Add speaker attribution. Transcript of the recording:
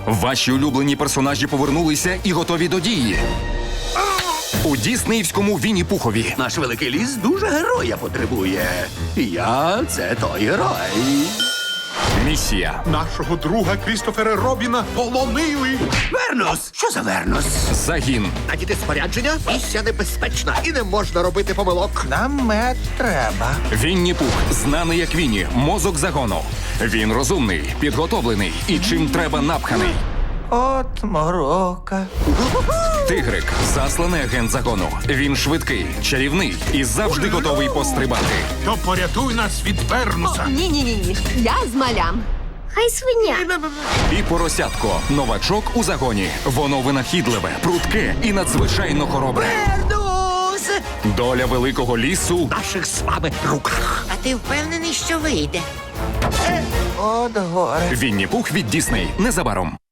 Speaker 1: Ваші улюблені персонажі повернулися і готові до дії. У діснеївському Вінні-Пухові.
Speaker 2: Наш великий ліс дуже героя потребує. І я – це той герой.
Speaker 1: Місія.
Speaker 3: Нашого друга Крістофера Робіна полонили.
Speaker 2: Вернус! Що за Вернус?
Speaker 1: Загін.
Speaker 4: Надіти спорядження, місія небезпечна і не можна робити помилок.
Speaker 5: Нам мед треба.
Speaker 1: Вінні-Пух, знаний як Вінні, мозок загону. Він розумний, підготовлений і чим треба напханий.
Speaker 5: От морока.
Speaker 1: Тигрик, засланий агент загону. Він швидкий, чарівний і завжди готовий пострибати.
Speaker 3: То порятуй нас від Вернуса.
Speaker 6: Ні. Я з малям.
Speaker 7: Хай свиня.
Speaker 1: І поросятко, новачок у загоні. Воно винахідливе, прудке і надзвичайно хоробре.
Speaker 4: Вернус!
Speaker 1: Доля великого лісу
Speaker 4: В наших з вами руках.
Speaker 7: А ти впевнений, що вийде?
Speaker 5: От горе.
Speaker 1: Вінні-Пух від Дісней незабаром.